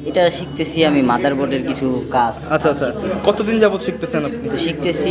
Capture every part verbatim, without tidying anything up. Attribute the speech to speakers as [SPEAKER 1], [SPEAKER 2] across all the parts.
[SPEAKER 1] এটা শিখতেছি আমি মাদারবোর্ডের কিছু কাজ।
[SPEAKER 2] আচ্ছা আচ্ছা, কতদিন যাবত শিখতেছেন আপনি?
[SPEAKER 1] তো শিখতেছি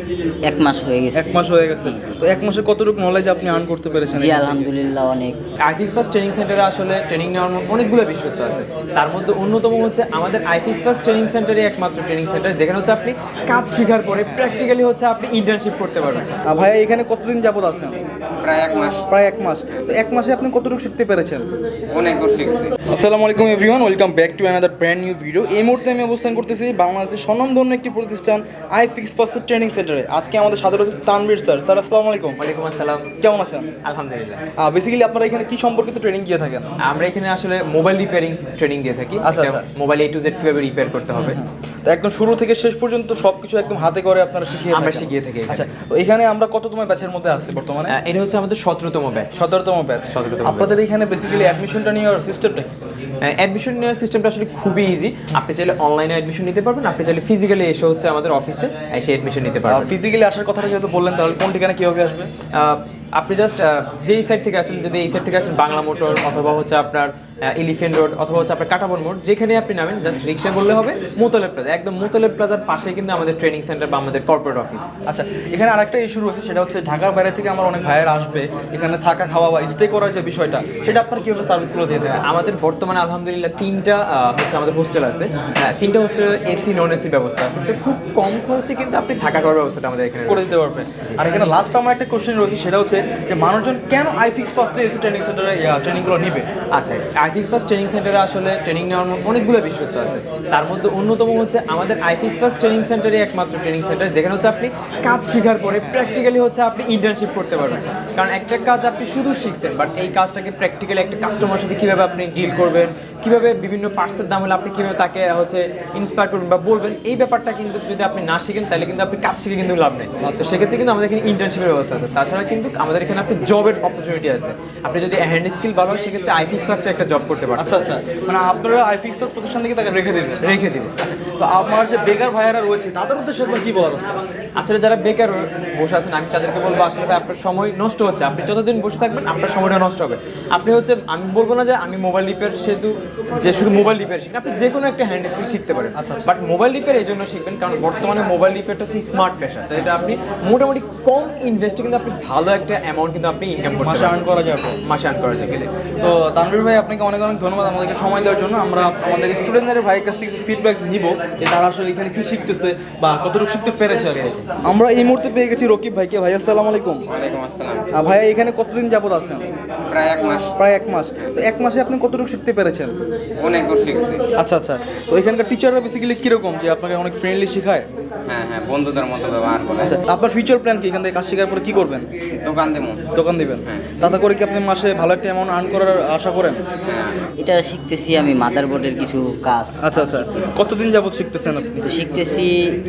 [SPEAKER 1] এক মাস হয়ে গেছে।
[SPEAKER 2] এক মাস হয়ে গেছে।
[SPEAKER 1] জি, জি।
[SPEAKER 2] তো এক মাসে কতটুকু নলেজ আপনি আর্ন করতে পেরেছেন?
[SPEAKER 1] জি আলহামদুলিল্লাহ অনেক।
[SPEAKER 3] আইফিক্স ফার্স্ট ট্রেনিং সেন্টারে আসলে ট্রেনিং নেওয়ার অনেকগুলো বিশেষত্ব আছে। তার মধ্যে অন্যতম হচ্ছে আমাদের আইফিক্স ফার্স্ট ট্রেনিং সেন্টারে একমাত্র ট্রেনিং সেন্টার যেখানে হচ্ছে আপনি কাজ শেখার পরে প্র্যাকটিক্যালি হচ্ছে আপনি ইন্টার্নশিপ করতে পারবেন।
[SPEAKER 2] আহ, ভাইয়া এখানে কতদিন যাবত আছেন?
[SPEAKER 4] প্রায় এক মাস।
[SPEAKER 2] প্রায় এক মাস। তো এক মাসে আপনি কতটুকু শিখতে পেরেছেন?
[SPEAKER 4] অনেক দূর শিখছি।
[SPEAKER 2] আসসালামু আলাইকুম everyone, welcome back to another brand new video. এই মুহূর্তে আমি অবস্থান করতেছি বাংলাদেশের স্বনামধন্য একটি প্রতিষ্ঠান আইফিক্স ফার্স্ট ট্রেনিং সেন্টারে। আজকে আমাদের সাথে রয়েছে তানভীর স্যার। স্যার আসসালামু আলাইকুম।
[SPEAKER 3] ওয়ালাইকুম আসসালাম।
[SPEAKER 2] কেমন আছেন?
[SPEAKER 3] আলহামদুলিল্লাহ।
[SPEAKER 2] বেসিক্যালি আপনারা এখানে কি সম্পর্কিত ট্রেনিং দিয়ে থাকেন?
[SPEAKER 3] আমরা এখানে আসলে মোবাইল রিপেয়ারিং ট্রেনিং দিয়ে থাকি।
[SPEAKER 2] আচ্ছা, আচ্ছা।
[SPEAKER 3] মোবাইল এ টু জেড কিভাবে রিপেয়ার করতে হবে
[SPEAKER 2] তো একদম শুরু থেকে শেষ পর্যন্ত সবকিছু একদম হাতে করে আপনারা শিখিয়ে
[SPEAKER 3] আমরা
[SPEAKER 2] থাকেন?
[SPEAKER 3] শিখিয়ে থাকি এখানে।
[SPEAKER 2] আচ্ছা, তো এখানে আমরা কততম ব্যাচের মধ্যে আছি বর্তমানে?
[SPEAKER 3] আহ, এটা হচ্ছে আমাদের সতেরোতম ব্যাচ।
[SPEAKER 2] সতেরোতম ব্যাচ।
[SPEAKER 3] সতেরোতম
[SPEAKER 2] আপনাদের এখানে বেসিক্যালি অ্যাডমিশনটা নেওয়ার সিস্টেমটা কি?
[SPEAKER 3] অ্যাডমিশন নেওয়ার সিস্টেমটা আসলে খুবই ইজি। আপনি চাইলে অনলাইনে অ্যাডমিশন নিতে পারবেন, আপনি চাইলে ফিজিক্যালি এসে হচ্ছে আমাদের অফিসে এসে অ্যাডমিশন নিতে পারবেন।
[SPEAKER 2] ফিজিক্যালি আসার কথাটা যেহেতু বললেন, তাহলে কোন ঠিকানা কীভাবে আসবে?
[SPEAKER 3] আহ, আপনি জাস্ট যেই সাইড থেকে আসেন, যদি এই সাইড থেকে আসেন বাংলা মোটর অথবা হচ্ছে আপনার এলিফেন্ট রোড অথবা হচ্ছে আপনার কাটাবন মোড়, যেখানে আপনি নামেন জাস্ট রিক্সা বললে হবে। মোতালেব প্লাজা, একদম মোতালেব প্লাজার পাশে কিন্তু আমাদের ট্রেনিং সেন্টার বা আমাদের কর্পোরেট অফিস।
[SPEAKER 2] আচ্ছা, এখানে আরেকটা ইস্যু রয়েছে, সেটা হচ্ছে ঢাকার বাইরে থেকে আমার অনেক ভাইয়ের আসবে, এখানে থাকা খাওয়া বা স্টে করার যে বিষয়টা, সেটা আপনার কীভাবে সার্ভিসগুলো দিয়ে থাকেন?
[SPEAKER 3] আমাদের বর্তমানে আলহামদুলিল্লাহ তিনটা আহ, হচ্ছে আমাদের হোস্টেল আছে। হ্যাঁ, তিনটা হোস্টেলে এসি নন এসি ব্যবস্থা আছে। তো খুব কম খরচে কিন্তু আপনি থাকা খাওয়ার ব্যবস্থাটা আমাদের এখানে
[SPEAKER 2] করে দিতে পারবেন। আর এখানে লাস্ট আমার একটা কোশ্চেন রয়েছে, সেটা হচ্ছে যে মানুষজন কেন আইফিক্স ফার্স্টে এসি ট্রেনিং সেন্টারে ট্রেনিংগুলো নিবে?
[SPEAKER 3] আচ্ছা, আইফিক্স ফার্স্ট ট্রেনিং সেন্টারে আসলে ট্রেনিং নেওয়ার অনেকগুলো বিশেষত্ব আছে। তার মধ্যে অন্যতম হচ্ছে আমাদের আইফিক্স ফার্স্ট ট্রেনিং সেন্টারে একমাত্র ট্রেনিং সেন্টার যেখানে হচ্ছে আপনি কাজ শেখার পরে প্র্যাকটিক্যালি হচ্ছে আপনি ইন্টার্নশিপ করতে পারবেন। কারণ একটা কাজ আপনি শুধু শিখছেন, বাট এই কাজটাকে প্র্যাকটিক্যালি একটা কাস্টমার সাথে কীভাবে আপনি ডিল করবেন, কীভাবে বিভিন্ন পার্টসের দাম হলে আপনি কীভাবে তাকে হচ্ছে ইন্সপায়ার করবেন বা বলবেন, এই ব্যাপারটা কিন্তু যদি আপনি না শিখেন তাহলে কিন্তু আপনি কাজ শিখে কিন্তু লাভ নেই। আচ্ছা, সেক্ষেত্রে কিন্তু আমাদের এখানে ইন্টার্নশিপের ব্যবস্থা আছে। তাছাড়া কিন্তু আমাদের এখানে আপনি জবের অপরচুনিটি আছে। আপনি যদি হ্যান্ড স্কিল ভালো হয় সেক্ষেত্রে আইফিক্স ফার্স্টে একটা জব করতে পারেন।
[SPEAKER 2] আচ্ছা আচ্ছা, মানে আপনারা আইফিক্স ফার্স্ট প্রতিষ্ঠান থেকে তাকে রেখে দেবেন?
[SPEAKER 3] রেখে দিব।
[SPEAKER 2] আচ্ছা, তো আমার যে বেকার ভাইয়ারা রয়েছে তাদের উদ্দেশ্যে আপনার কি বলার আছে?
[SPEAKER 3] আসলে যারা বেকার বসে আছেন, আমি তাদেরকে বলবো আসলে ভাই আপনার সময় নষ্ট হচ্ছে। আপনি যতদিন বসে থাকবেন আপনার সময়টা নষ্ট হবে। আপনি হচ্ছে, আমি বলবো না যে আমি মোবাইল রিপেয়ার সেহেতু যে শুধু মোবাইল রিপেয়ার শিখেন, আপনি যে কোনো একটা হ্যান্ড স্কিল শিখতে পারেন।
[SPEAKER 2] আচ্ছা,
[SPEAKER 3] বাট মোবাইল রিপেয়ার এই জন্য শিখবেন কারণ বর্তমানে মোবাইল রিপেয়ারটা হচ্ছে স্মার্ট পেশা। তো এটা আপনি মোটামুটি কম ইনভেস্টে কিন্তু আপনি ভালো একটা অ্যামাউন্ট কিন্তু আপনি ইনকাম করতে
[SPEAKER 2] মাসে আর্ন করা যাবে।
[SPEAKER 3] মাসে আর্ন করা যায়।
[SPEAKER 2] তো তানভীর ভাই, আপনাকে অনেক অনেক ধন্যবাদ আমাদেরকে সময় দেওয়ার জন্য। আমরা আমাদের স্টুডেন্টদের ভাইয়ের কাছ থেকে ফিডব্যাক নিব যে তারা আসলে এখানে কি শিখতেছে বা কতটুকু শিখতে পেরেছে আর কি। আমরা এই মুহূর্তে পেয়ে গেছি রকিব ভাইকে। ভাই আসসালামু আলাইকুম।
[SPEAKER 4] ওয়ালাইকুম আসসালাম।
[SPEAKER 2] আহ, ভাইয়া এখানে কতদিন যাবত আছেন?
[SPEAKER 4] প্রায় এক মাস।
[SPEAKER 2] প্রায় এক মাস। তো এক মাসে আপনি কতটুকু শিখতে পেরেছেন?
[SPEAKER 4] অনেক দূর শিখছি।
[SPEAKER 2] আচ্ছা আচ্ছা, তো এখানকার টিচাররা বেসিক্যালি কীরকম, যে আপনাকে অনেক ফ্রেন্ডলি শেখায়?
[SPEAKER 4] হ্যাঁ হ্যাঁ, বন্ধুদের মতো ব্যবহার করে।
[SPEAKER 2] আচ্ছা, আপনার ফিউচার প্ল্যান কি? এখান থেকে কাজ শেখার পরে কী করবেন?
[SPEAKER 4] দোকান দেবো।
[SPEAKER 2] দোকান দিবেন?
[SPEAKER 4] হ্যাঁ।
[SPEAKER 2] তাতে করে কি আপনি মাসে ভালো একটা অ্যামাউন্ট আর্ন করার আশা করেন?
[SPEAKER 4] হ্যাঁ।
[SPEAKER 1] এটা শিখতেছি আমি মাদারবোর্ডের কিছু কাজ।
[SPEAKER 2] আচ্ছা আচ্ছা, কতদিন যাবত শিখতেছেন আপনি?
[SPEAKER 1] তো শিখতেছি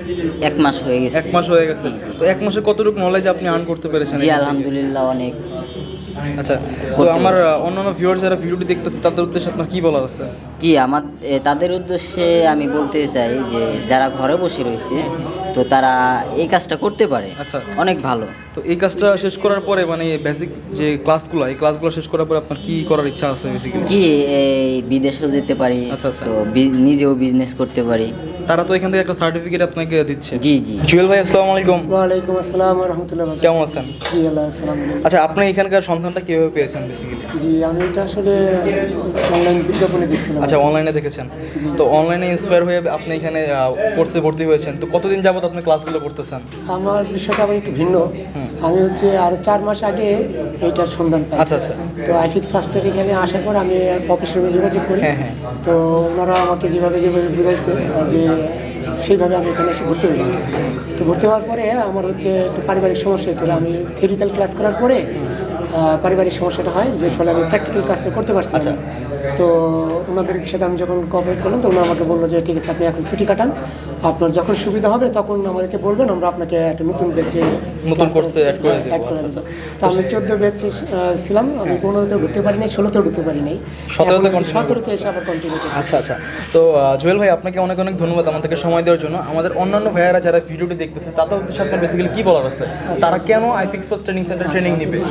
[SPEAKER 1] এক মাস হয়ে গেছে।
[SPEAKER 2] এক মাস হয়ে গেছে।
[SPEAKER 1] জি, জি।
[SPEAKER 2] তো এক মাসে কতটুকু নলেজ আপনি আর্ন করতে পেরেছেন?
[SPEAKER 1] জি আলহামদুলিল্লাহ অনেক।
[SPEAKER 2] আচ্ছা, তো
[SPEAKER 1] করতে
[SPEAKER 2] আমার
[SPEAKER 1] পারছি।
[SPEAKER 2] আহ, অন্যান্য ভিউয়ার্স যারা ভিডিওটি দেখতেছে তাদের উদ্দেশ্যে আপনার কি বলার আছে?
[SPEAKER 1] জি আমার এ, তাদের উদ্দেশ্যে আমি বলতে চাই যে যারা ঘরে বসে রয়েছে তো তারা এই কাজটা করতে পারে।
[SPEAKER 2] আচ্ছা।
[SPEAKER 1] অনেক ভালো।
[SPEAKER 2] তো এই কাজটা শেষ করার পরে, মানে বেসিক যে ক্লাসগুলো, এই ক্লাসগুলো শেষ করার পরে আপনার কি করার ইচ্ছা আছে বেসিক্যালি?
[SPEAKER 1] জি এই বিদেশেও যেতে পারি।
[SPEAKER 2] আচ্ছা, আচ্ছা।
[SPEAKER 1] তো বি- নিজেও বিজনেস করতে পারি।
[SPEAKER 2] তারা তো এখান থেকে একটা সার্টিফিকেট আপনাকে দিচ্ছে।
[SPEAKER 1] জি জি।
[SPEAKER 2] জুয়েল ভাই আসসালামু আলাইকুম।
[SPEAKER 5] ওয়ালাইকুম আসসালাম রহমতুল্লাহ।
[SPEAKER 2] কেমন আছেন?
[SPEAKER 5] জি আল্লাহ সালাম।
[SPEAKER 2] আচ্ছা, আপনি এখানকার সন্ধানটা কিভাবে পেয়েছেন বেসিক্যালি?
[SPEAKER 5] জি আমি এটা আসলে অনলাইন বিজ্ঞাপনে দেখছিলাম।
[SPEAKER 2] আচ্ছা, অনলাইনে দেখেছেন। তো অনলাইনে ইন্সপায়ার হয়ে আপনি এখানে কোর্সে ভর্তি হয়েছেন। তো কতদিন যাবত আপনি ক্লাসগুলো করতেছেন?
[SPEAKER 5] আমার বিষয়টা আবার একটু ভিন্ন। আমি হচ্ছে আরো চার মাস আগে এইটার সন্ধান পাই।
[SPEAKER 2] আচ্ছা, আচ্ছা।
[SPEAKER 5] তো আইফিক্স ফার্স্টের এখানে আসার পর আমি অফিসের সঙ্গে যোগাযোগ করি।
[SPEAKER 2] হ্যাঁ, হ্যাঁ।
[SPEAKER 5] তো ওনারা আমাকে যেভাবে যেভাবে বুঝাইছে যে সেইভাবে আমি এখানে এসে ভর্তি হইলাম। তো ভর্তি হওয়ার পরে আমার হচ্ছে একটু পারিবারিক সমস্যা ছিল। আমি থিওরিক্যাল ক্লাস করার পরে আহ, পারিবারিক সমস্যাটা হয়, যে ফলে আমি প্র্যাকটিক্যাল ক্লাসটা করতে পারছি না। তো ওনাদের সাথে আমি যখন কোঅপারেট করলাম তো ওনারা আমাকে বললো যে ঠিক আছে আপনি এখন ছুটি কাটান, আপনার যখন সুবিধা হবে তখন আমাদেরকে বলবেন, আমরা আপনাকে একটা নতুন ব্যাচে
[SPEAKER 2] নতুন কোর্সে অ্যাড করে দেবো।
[SPEAKER 5] অ্যাড করে
[SPEAKER 2] আচ্ছা,
[SPEAKER 5] দেবো।
[SPEAKER 2] আচ্ছা।
[SPEAKER 5] তো আমি চোদ্দো ব্যাচে ছিলাম। আমি পনেরোতেও ঢুকতে পারি নাই, ষোলোতেও ঢুকতে পারি নাই,
[SPEAKER 2] সতেরোতে continue
[SPEAKER 5] সতেরোতে এসে আবার কন্টিনিউ করি।
[SPEAKER 2] আচ্ছা আচ্ছা, তো আহ, জুয়েল ভাই আপনাকে অনেক অনেক ধন্যবাদ আমাদেরকে সময় দেওয়ার জন্য। আমাদের অন্যান্য ভাইয়ারা যারা ভিডিওটি দেখতেছে তাদের উদ্দেশ্যে আপনার বেসিক্যালি কি বলার আছে? তারা কেন iFix first training centre training নিবে?
[SPEAKER 5] সুন্দর একটা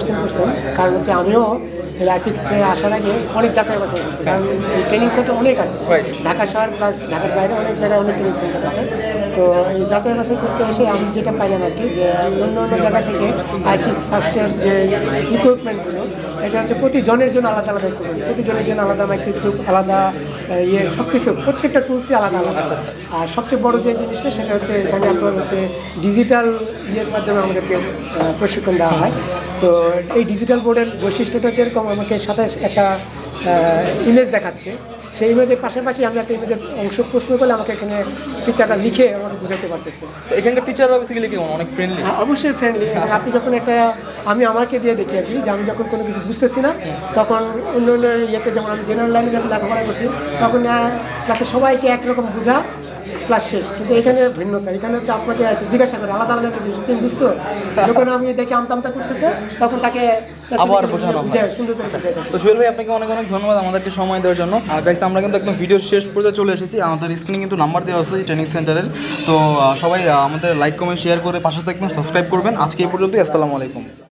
[SPEAKER 5] কোশ্চেন করছেন, কারণ হচ্ছে আমিও এই আইফিক্সে আসার আগে অনেক যাচাই বাছাই করছি, কারণ এই ট্রেনিং সেন্টার অনেক আছে
[SPEAKER 2] Right.
[SPEAKER 5] ঢাকা শহর প্লাস ঢাকার বাইরে অনেক জায়গায় অনেক ট্রেনিং সেন্টার আছে। তো এই যাচাই বাছাই করতে এসে আমি যেটা পাইলাম আর কি, যে অন্য অন্য জায়গা থেকে আইফিক্স ফার্স্টের যে ইকুইপমেন্টগুলো, এটা হচ্ছে প্রতি জনের জন্য আলাদা আলাদা ইকুইপমেন্ট, প্রতি জনের জন্য আলাদা মাইক্রোস্কোপ, আলাদা আহ, ইয়ে সব কিছু, প্রত্যেকটা টুলসই আলাদা আলাদা। আর সবচেয়ে বড় যে জিনিসটা সেটা হচ্ছে এখানে আপনার হচ্ছে ডিজিটাল ইয়ের মাধ্যমে আমাদেরকে আহ, প্রশিক্ষণ দেওয়া হয়। তো এই ডিজিটাল বোর্ডের বৈশিষ্ট্যটা যেরকম আমাকে সাথে একটা ইমেজ দেখাচ্ছে, সেই ইমেজের পাশাপাশি আমি একটা ইমেজের অংশ প্রশ্ন করলে আমাকে এখানে টিচাররা লিখে আমাকে বোঝাতে পারতেছে।
[SPEAKER 2] তো এখানকার টিচাররা বেসিক্যালি কেমন, অনেক ফ্রেন্ডলি?
[SPEAKER 5] হ্যাঁ, অবশ্যই ফ্রেন্ডলি। আপনি যখন একটা, আমি আমাকে দিয়ে দেখি আর কি, যে আমি যখন কোনো কিছু বুঝতেছি না, তখন অন্য অন্য ইয়েতে, যেমন আমি জেনারেল লাইনে যখন লেখাপড়া করছি, তখন ক্লাসে সবাইকে একরকম বোঝা, ক্লাস শেষ। কিন্তু এখানে ভিন্নতা, এখানে হচ্ছে আপনাকে এসে জিজ্ঞাসা করে আলাদা আলাদা কিছু, তুমি বুঝতো? যখন আমি দেখি আমতা আমতা করতেছে, তখন তাকে
[SPEAKER 2] আবার বোঝানো হয়।
[SPEAKER 5] বুঝায়, সুন্দর করে বুঝাই থাকে।
[SPEAKER 2] তো জুয়েল ভাই, আপনাকে অনেক অনেক ধন্যবাদ আমাদেরকে সময় দেওয়ার জন্য। আর গাইস, আমরা কিন্তু একদম ভিডিও শেষ পর্যন্ত চলে এসেছি। আমাদের স্ক্রিনে কিন্তু নাম্বার দেওয়া আছে ট্রেনিং সেন্টারের। তো আহ, সবাই আহ, আমাদের লাইক কমেন্ট শেয়ার করে পাশে থাকবেন, সাবস্ক্রাইব করবেন। আজকে এই পর্যন্তই, আসসালামু আলাইকুম।